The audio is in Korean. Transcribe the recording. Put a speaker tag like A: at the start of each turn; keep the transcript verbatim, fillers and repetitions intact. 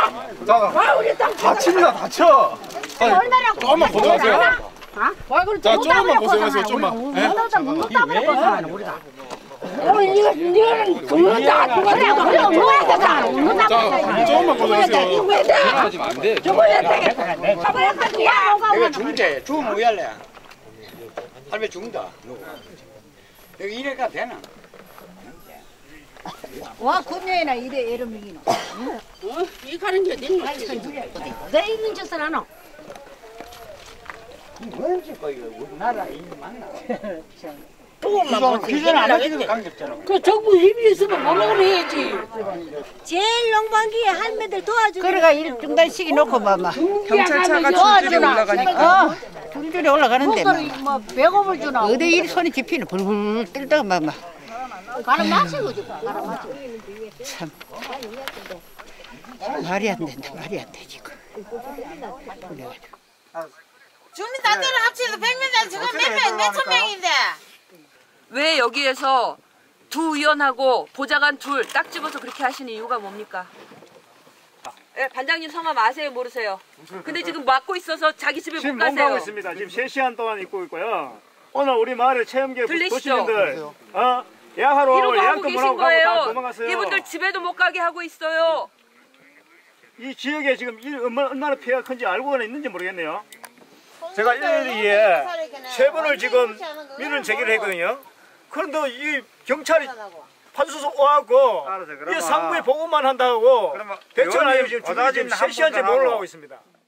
A: 자, 다칩니다, 다쳐.
B: 얼마나
A: 조금만 고생하세요. 자, 조금만 고생하세요, 조금만.
B: 문도다 문도다 고생하는 우리가. 어, 이거 이거는 죽는다 죽었다 그래 죽어야 되잖아. 문도다
A: 자, 조금만 고생하세요.
B: 죽어야 돼.
C: 하지면 안 돼.
B: 죽어야 되겠다. 죽어야 되겠다.
D: 내가 죽는데 죽으면 왜 할래? 할배 죽는다. 누구? 여기 이래가 되나?
B: 와 군녀이나 이래 이름이기노. 어? 이 가는 게 어디 내 있는 짓을 하노?
D: 뭔지 거 이거 우리나라 이 맞나?
B: 조금만 보세요.
D: 기존 안 하기도 강력잖아.
B: 그 정부 힘이 있으면 뭐라고 해야지.
E: 제일 농방기에 할매들 도와주고.
F: 그래가 일 중단시키 놓고 봐봐.
B: 경찰차가 줄줄이 올라가니까.
F: 어, 줄줄이 올라가는데 막.
B: 뭐 배고플 주나.
F: 어디 일 손이 집히는 불불 뜰다가 봐봐.
B: 가는 마시고 좀 가는 마시고.
F: 참 말이 안 된다. 말이 안 돼 지금. 그래가지고.
E: 주민단체를 합쳐서 백 명 지금 몇명 몇천 명인데.
G: 왜 여기에서 두 의원하고 보좌관 둘 딱 집어서 그렇게 하시는 이유가 뭡니까? 예, 반장님 성함 아세요 모르세요? 근데 지금 맡고 있어서 자기 집에 못
H: 지금
G: 가세요.
H: 농가하고 있습니다. 지금 세 시간 동안 있고 있고요. 오늘 우리 마을의 체험계
G: 들리시죠?
H: 도시민들 어, 예약하러
G: 이러고 하고
H: 예약도
G: 계신
H: 못하고 가고 다
G: 거예요.
H: 도망갔어요.
G: 이분들 집에도 못 가게 하고 있어요.
H: 이 지역에 지금 일 얼마나, 얼마나 피해가 큰지 알고는 있는지 모르겠네요. 제가 일일이에 세 번을 지금 민원 제기를 했거든요. 그런데 이 경찰이 판수소 와갖고 이 상부에 보고만 한다고 대처를 하고 지금 세 시간째 몰아가고 있습니다.